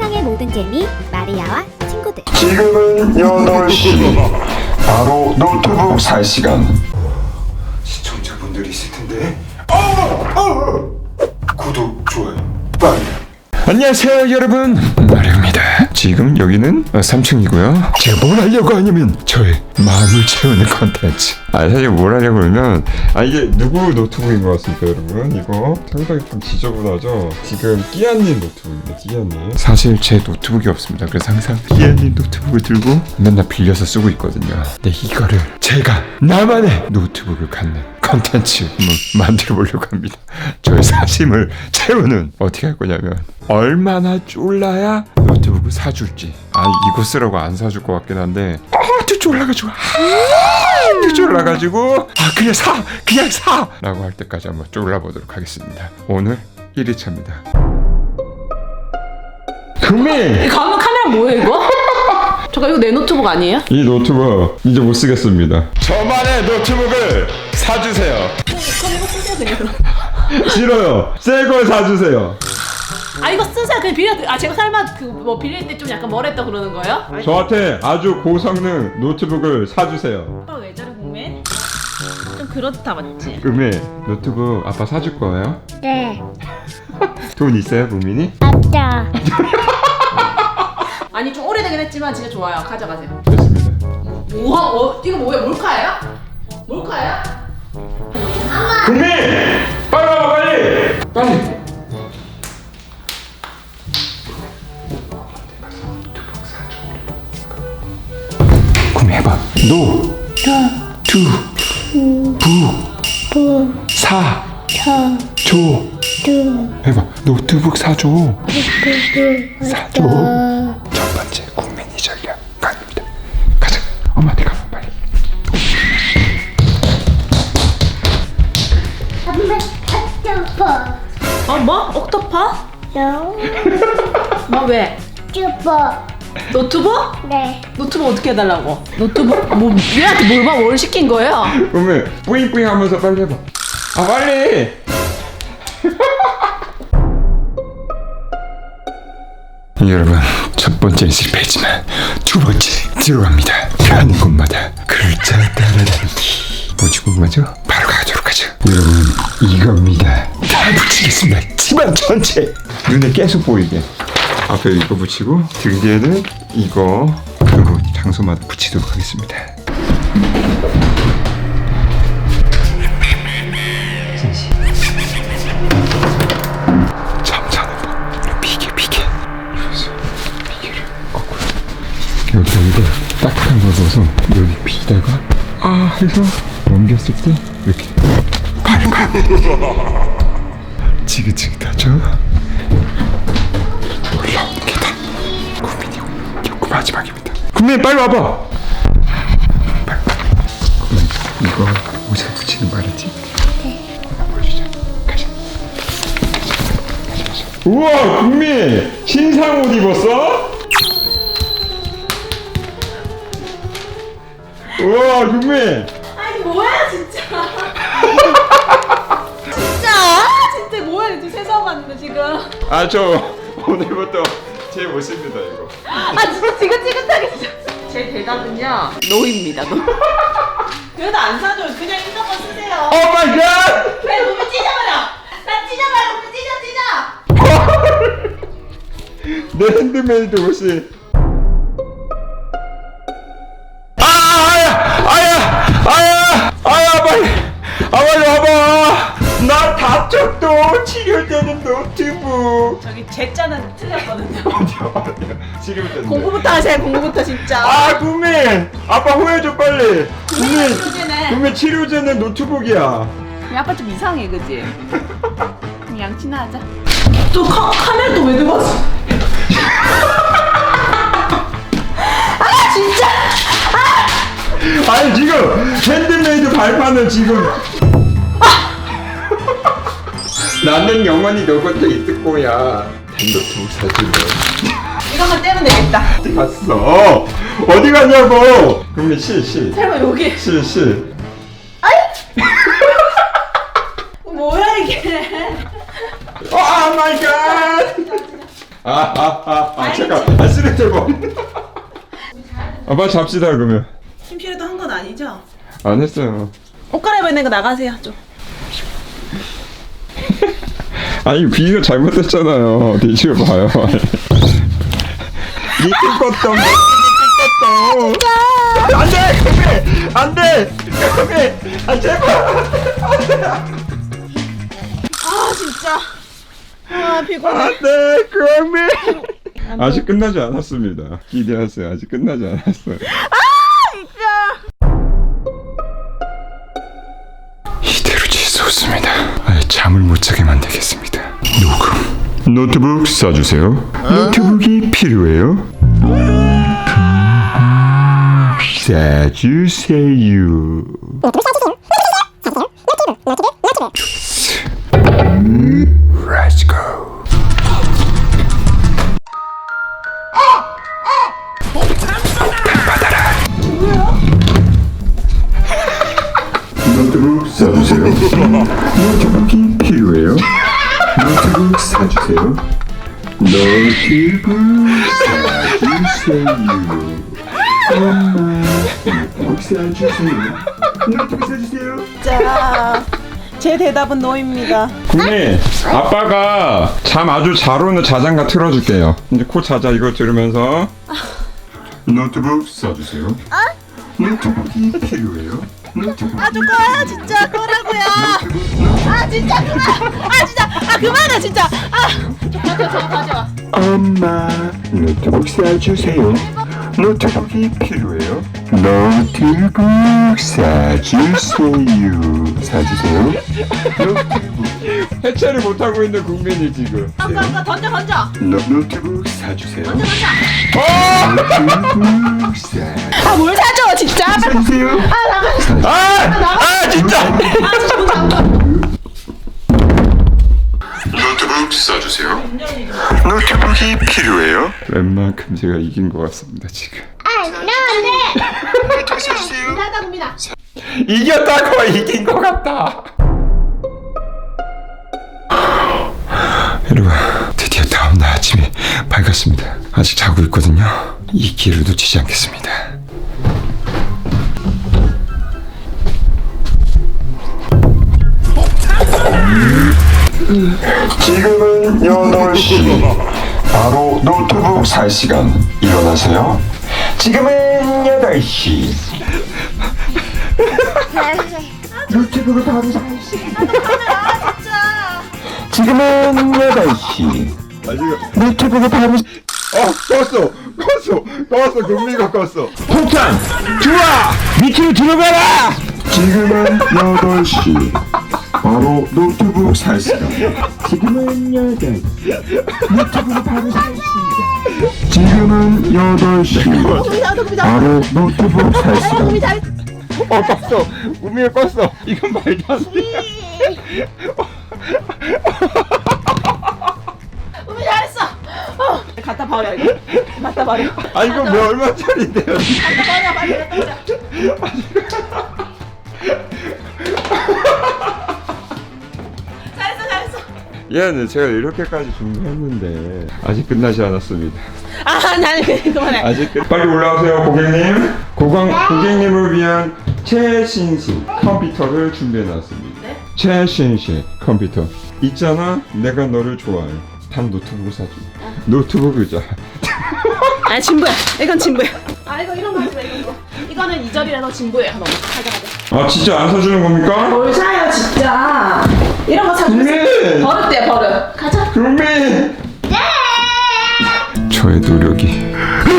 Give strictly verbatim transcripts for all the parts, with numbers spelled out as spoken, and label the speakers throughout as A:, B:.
A: 세상의 모든 재미 마리아와 친구들.
B: 지금은 여덟 시. 바로 노트북 살 시간. 시청자분들이 있을 텐데. 어! 어! 구독, 좋아요, 빨리. 안녕하세요 여러분, 마리오입니다. 지금 여기는 삼 층이고요 제가 뭘 하려고 하냐면 저의 마음을 채우는 컨텐츠. 아 사실 뭘 하려고 하면 아 이게 누구 노트북인 것 같습니까 여러분? 이거 상당히 좀 지저분하죠? 지금 끼안님 노트북입니다. 끼안님. 사실 제 노트북이 없습니다. 그래서 항상 끼안님 노트북을 들고 맨날 빌려서 쓰고 있거든요. 근데 이거를 제가 나만의 노트북을 갖는 컨텐츠 한번 만들어 보려고 합니다. 저의 사심을 채우는. 어떻게 할 거냐면 얼마나 쫄라야 노트북을 사줄지. 아 이거 쓰라고 안 사줄 것 같긴 한데 아주 쫄라가지고 아주 쫄라가지고 아 그냥 사 그냥 사 라고 할 때까지 한번 쫄라보도록 하겠습니다. 오늘 일 회차입니다. 금이
C: 이 가면 카메라 뭐예요 이거? 잠깐 이거 내 노트북 아니에요?
B: 이 노트북 이제 못 쓰겠습니다. 저만의 노트북을 사주세요.
C: 그럼 이거 쓰세요 그냥.
B: 싫어요. 새 걸 사주세요.
C: 아 이거 쓰세요 그냥 빌려. 아 제가 설마 그 뭐 빌릴 때 좀 약간 뭐랬다 그러는 거예요?
B: 저한테 아주 고성능 노트북을 사주세요.
C: 아빠 왜 저래 국민? 좀 그렇다 맞지?
B: 금이 노트북 아빠 사줄 거예요?
A: 네.
B: 돈 있어요, 국민이?
A: 맞다.
C: 아니 좀 오래되긴 했지만 진짜 좋아요. 가져가세요.
B: 됐습니다.
C: 우와 어, 이거 뭐야 몰카예요? 몰카예요?
B: 국민! 빨리 와봐 빨리! 빨리! 국민 해봐. 노 투 부 사 조 해봐. 노트북 사줘. 사줘. 첫 번째 국민이 전략 가입니다. 가자. 엄마한테 가봐 빨리.
A: 슈퍼.
C: 어 뭐? 옥토파?
A: 너
C: 뭐 왜?
A: 슈퍼.
C: 노트북?
A: 네.
C: 노트북 어떻게 해달라고? 노트북 뭐 얘한테 뭘 봐? 뭘 시킨 거예요?
B: 그러면 뿌잉뿌잉 하면서 빨리 해봐. 아 빨리. 여러분 첫 번째 실패했지만 두 번째 들어갑니다. 가는 곳마다 글자 따라다니기. 뭐지 뭐죠? 바로 가도록 하죠. 여러분 이겁니다. 다 붙이겠습니다. 집안 전체 눈에 계속 보이게. 앞에 이거 붙이고 등 뒤에는 이거 그리고 장소마다 붙이도록 하겠습니다. 점잖은 법. 비계 비계. 여기서 비계를 거꾸로. 여기 여기다 딱딱한 걸 넣어서 여기 비다가 아 해서 넘겼을 때 이렇게 발발. 지긋지긋하죠? 올라오는 계단. 국민이 여기 마지막입니다. 국민 빨리 와봐. 빨리. 국민 이거 옷에 붙이는 거 알았지? 네. 보여주자. 가자. 가자. 가자. 우와 국민 신상 옷 입었어? 우와 국민.
C: 아니 뭐야 진짜. 진짜 진짜 뭐야 지금 세상 왔는데 지금.
B: 아 저 오늘부터 제 모습입니다 이거.
C: 아 진짜 지긋지긋하게 진짜. 제 대답은요 노입니다 노. 그래도 안 사줘요. 그냥 있는 거 쓰세요.
B: 오 마이 갓!
C: 왜 몸이 찢어버려. 나 찢어버려. 몸이 찢어 찢어.
B: 내 핸드메이드 옷이. 아 아야 아야 아야 아야 빨리 아 빨리 와봐. 나 다쳤도 치료되는 노트북.
C: 저기 제 자는 틀렸거든요.
B: 치료되는.
C: 공부부터 하세요. 공부부터 진짜.
B: 아 국민 아빠 후회줘 빨리. 국민
C: 치료제네.
B: 국민 치료제는 노트북이야.
C: 아빠 좀 이상해 그지? 그냥 양치나 하자. 또 카, 카메라 또 왜 들고 왔어? 아 진짜!
B: 아니 지금 핸드메이드 발판을 지금. 나는 영원히 너 곁에 있을 거야. 노트북 사줄래?
C: 이거만 떼면 되겠다.
B: 어디 갔어? 어디 갔냐고? 그러면 실, 실.
C: 설마 여기?
B: 실, 실.
C: 뭐야 이게?
B: 오 마이 갓! 아아아 아, 잠깐 아 쓰레기 버린 아 빨리 잡시다 그러면.
C: 심실에도 한 건 아니죠?
B: 안 했어요.
C: 옷 갈아입어 있는 거 나가세요 좀.
B: 아니 비가 잘못됐잖아요. 뒤집어봐요. 이쁜 것도 이쁜 것도 안돼 그게 안돼 그게 아 제발
C: 아 진짜. 아 피곤해.
B: 안돼 그미 아직 끝나지 않았습니다. 기대하세요. 아직 끝나지 않았어요. 이대로 지수없습니다. 아예 잠을 못 자게 만들겠습니다. 녹음. 노트북 써주세요. 노트북이 필요해요. 써주세요. Let's go. 노트북 써주세요. 노트북이 필요해요. 노트북 사주세요. 노트북 사주세요. 엄마 노트북 사주세요. 노트북 사주세요.
C: 자, 제 대답은 노입니다.
B: 국민 아빠가 잠 아주 잘 오는 자장가 틀어줄게요. 이제 코 자자 이거 들으면서 노트북 써주세요. 노트북이 필요해요. 노트북.
C: 아, 좀 꺼요, 진짜 꺼라고요. 아, 진짜 그만. 아, 진짜. 아, 그만해, 진짜. 아, 저 가져와, 저 가져와.
B: 엄마 노트북 사주세요. 노트북이 필요해요. 노트북 사주세요. 사주세요. 노트북 해체를 못하고 있는 국민이 지금.
C: 아까 아까 던져, 던져.
B: 노, 노트북 사주세요.
C: 던져, 던져.
B: 노트북 사
C: 아, 뭘 사줘, 진짜.
B: 사주세요.
C: 아, 나가.
B: 아, 아 진짜.
C: 아, 진짜 못 잡아.
B: 노트북 써주세요. 노트북이 필요해요. 웬만큼 제가 이긴 것 같습니다 지금. 노트북 써주세요.
C: 나다, 국민아.
B: 이겼다고 이긴 것 같다. 여러분 드디어 다음날 아침에 밝았습니다. 아직 자고 있거든요. 이 기회를 놓치지 않겠습니다. 지금은 여덟 시. 바로 노트북 살 시간. 일어나세요. 지금은 여덟 시. 노트북을 바로 살 시간.
C: 아, 진짜.
B: 지금은 여덟 시. 노트북을 바로 어 껐어 껐어 껐어 금리가 껐어. 폭탄 들어와 밑으로 들어가라. 지금은 여덟 시. 바로 노트북 살 시간. 지금은 여덟 시. 노트북을 바로 살 시간. 지금은 여덟 시.
C: 국민아, 국민아.
B: 바로 노트북 살
C: 아유,
B: 시간.
C: 국민 잘.
B: 어 껐어 우미가 껐어. 이건 말도 안 돼.
C: 국민 잘했어. 어. 갖다 버려 이거. 갖다 버려.
B: 아 이거 왜 얼마짜리인데요?
C: 갖다 버려, 빨리 갖다 버려. 잘했어, 잘했어.
B: 얘는 제가 이렇게까지 준비했는데 아직 끝나지 않았습니다.
C: 아, 난 그만해.
B: 아직 끝... 빨리 올라오세요 고객님. 고강, 고객님을 위한 최신식 컴퓨터를 준비해놨습니다.
C: 네?
B: 최신식 컴퓨터 있잖아. 내가 너를 좋아해. 단 노트북을 사줘. 노트북 의자.
C: 아, 진부야. 이건 진부야. 아, 이거 이런 거 하지 마, 이런 거. 이거는 이 절이라서 진부예요. 너무 가자, 가자.
B: 아 진짜 안 사주는 겁니까?
C: 뭘 사요, 진짜. 이런 거 사주면
B: 국민!
C: 버릇돼, 버릇. 가자.
B: 국민! 저의 노력이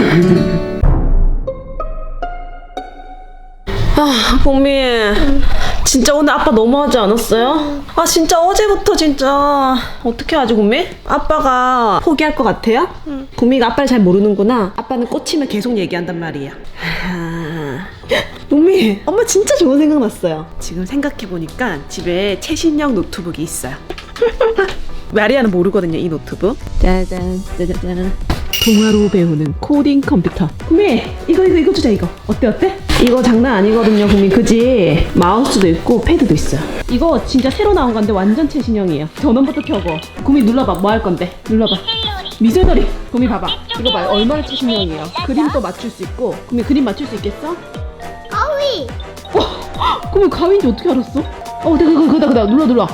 C: 아, 국민. 진짜 오늘 아빠 너무하지 않았어요? 아, 진짜 어제부터 진짜 어떻게 하지, 국민? 아빠가 포기할 것 같아요? 응. 국민이가 아빠를 잘 모르는구나. 아빠는 꽂히면 계속 얘기한단 말이야. 아... 국민, 엄마 진짜 좋은 생각 났어요. 지금 생각해보니까 집에 최신형 노트북이 있어요. 마리아는 모르거든요, 이 노트북. 짜잔, 짜자잔. 동화로 배우는 코딩 컴퓨터. 국민, 이거 이거 이거 주자. 이거 어때 어때? 이거 장난 아니거든요, 국민. 그지? 마우스도 있고 패드도 있어요. 이거 진짜 새로 나온 건데 완전 최신형이에요. 전원부터 켜고. 국민 눌러봐. 뭐 할 건데? 눌러봐. 미세다리. 구미 봐봐. 이거 봐요. 얼마나 최신형이에요. 그림도 맞출 수 있고. 구미 그림 맞출 수 있겠어?
A: 가위.
C: 어, 구미 가위인지 어떻게 알았어? 어, 그다 그다 그다 그다 눌러 눌러.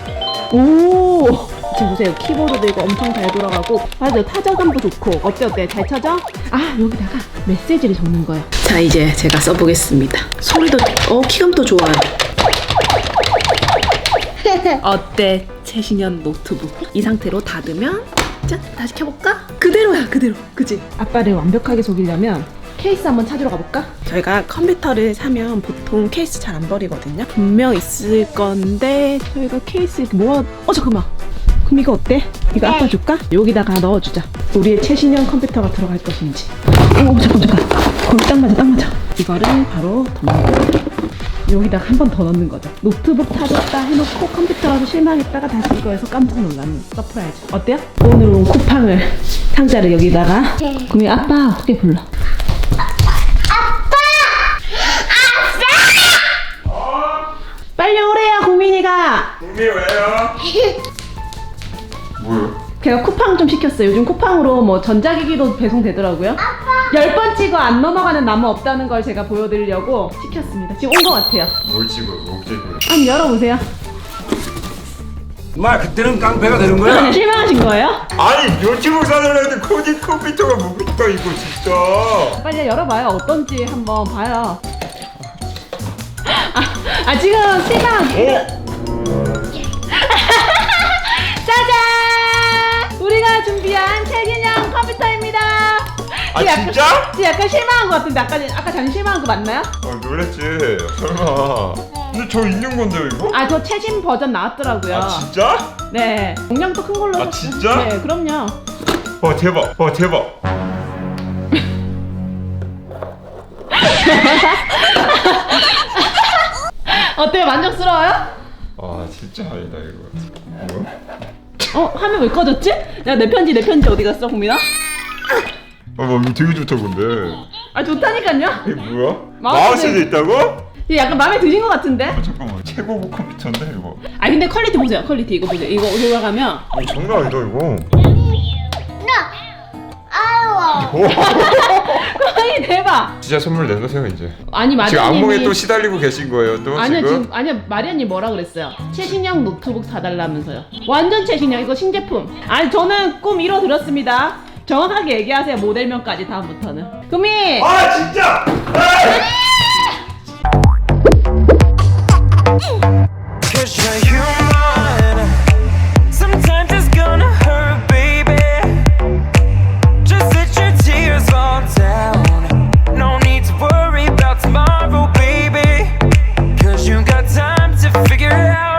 C: 오. 지금 보세요. 키보드도 이거 엄청 잘 돌아가고. 맞아요. 타자감도 좋고. 어때 어때? 잘 찾아? 아, 여기다가 메시지를 적는 거예요. 자, 이제 제가 써보겠습니다. 소리도 어 키감도 좋아요. 어때? 최신형 노트북. 이 상태로 닫으면 짠! 다시 켜볼까? 그대로야 그대로. 그치? 아빠를 완벽하게 속이려면 케이스 한번 찾으러 가볼까? 저희가 컴퓨터를 사면 보통 케이스 잘 안 버리거든요. 분명 있을 건데 저희가 케이스 이렇게 모아... 어 잠깐만. 그럼 이거 어때? 이거 아빠 줄까? 여기다가 넣어주자. 우리의 최신형 컴퓨터가 들어갈 것인지. 오 잠깐 잠깐. 거기 딱 맞아 딱 맞아. 이거를 바로 더 넣어. 여기다가 한 번 더 넣는 거죠. 노트북 찾았다 해놓고 컴퓨터라서 실망했다가 다시 이거에서 깜짝 놀라는 서프라이즈. 어때요? 오늘 온 쿠팡을 상자를 여기다가. 그럼 아빠 어떻게 불러? 빨리 오래요 고민이가.
B: 구미 왜요? 뭐요?
C: 걔가 쿠팡 좀 시켰어요. 요즘 쿠팡으로 뭐 전자기기도 배송되더라고요. 열 번 찍어 안 넘어가는 나무 없다는 걸 제가 보여드리려고 시켰습니다. 지금 온 것 같아요.
B: 뭘 찍어? 뭘 찍어?
C: 한번 열어보세요.
D: 마 그때는 깡패가 되는 거야?
C: 실망하신 거예요?
B: 아니 노트북 사달라는데 코디 컴퓨터가 뭐겠다 이거 진짜.
C: 빨리 열어봐요. 어떤지 한번 봐요. 아, 아 지금 실망.
B: 어?
C: 짜잔! 우리가 준비한 최신형 컴퓨터입니다.
B: 아
C: 지금 약간-
B: 진짜?
C: 지금 약간 실망한 것 같은데 아까 아까 전에 실망한 거 맞나요?
B: 아 놀랬지. 설마. 근데 저 있는 건데요 이거?
C: 아 저 최신 버전 나왔더라고요.
B: 아 진짜?
C: 네. 용량도 큰 걸로.
B: 아,
C: 샀어요.
B: 진짜?
C: 네, 그럼요.
B: 와 대박. 와 대박.
C: 어때요? 만족스러워요?
B: 아 진짜 아니다 이거. 뭐야?
C: 어 화면 왜 꺼졌지? 야 내 편지 내 편지 어디 갔어 국민아?
B: 아 뭐, 이거 되게 좋다 근데.
C: 아 좋다니까요.
B: 이게 뭐야?
C: 마우스
B: 마우스도 있다고?
C: 이게 약간 마음에 드신 것 같은데?
B: 아, 잠깐만 최고급 컴퓨터인데 이거.
C: 아 근데 퀄리티 보세요. 퀄리티 이거 보세요. 이거 돌아가면
B: 아 장난 아니다 이거.
A: 아우.
B: 오.
C: 퀄리티 대박.
B: 진짜 선물 내놓으세요 이제.
C: 아니
B: 지금 악몽에
C: 마리아님이
B: 또 시달리고 계신 거예요 또
C: 아니요
B: 지금?
C: 지금 아니요 마리아님 뭐라 그랬어요? 최신형 노트북 사달라면서요. 완전 최신형 이거 신제품. 아니 저는 꿈 이뤄드렸습니다. 정확하게 얘기하세요 모델명까지 다음부터는. 금이.
B: 아 진짜!
E: Cause you're human. Sometimes it's gonna hurt, baby. Just let your tears fall down. No need to worry about tomorrow, baby. Cause you got time to figure it out.